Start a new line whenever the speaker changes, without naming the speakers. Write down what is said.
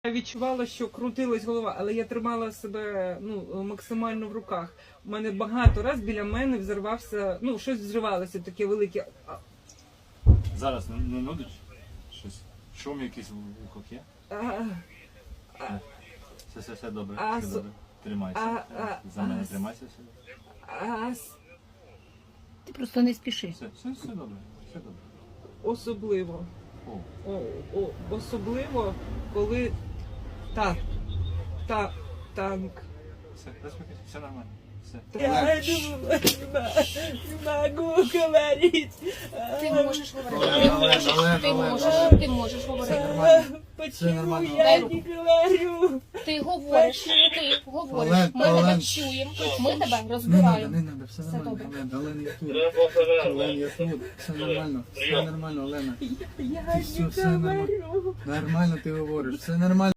Я відчувала, що крутилась голова, але я тримала себе максимально в руках. У мене багато раз біля мене взорвався, щось взривалося таке велике.
Зараз не нудить? Щось? Шум якийсь в ухах є? Все добре, все добре. Тримайся. За мене тримайся все.
Ти просто не спіши.
Все добре, все добре.
Особливо.
О.
Особливо, коли танк.
Все, заспокійся, все нормально. Все.
Я не можу говорити.
Ти можеш говорити. Ти можеш говорити.
Почему я не говорю?
Ти говориш. Ми тебе чуємо. Ми тебе розбираємо.
Не надо, все нормально,
добре.
Олена, я тут, все нормально, Олена.
Я
Ти все
не
нормально.
говорю.
Нормально ти говориш, все нормально.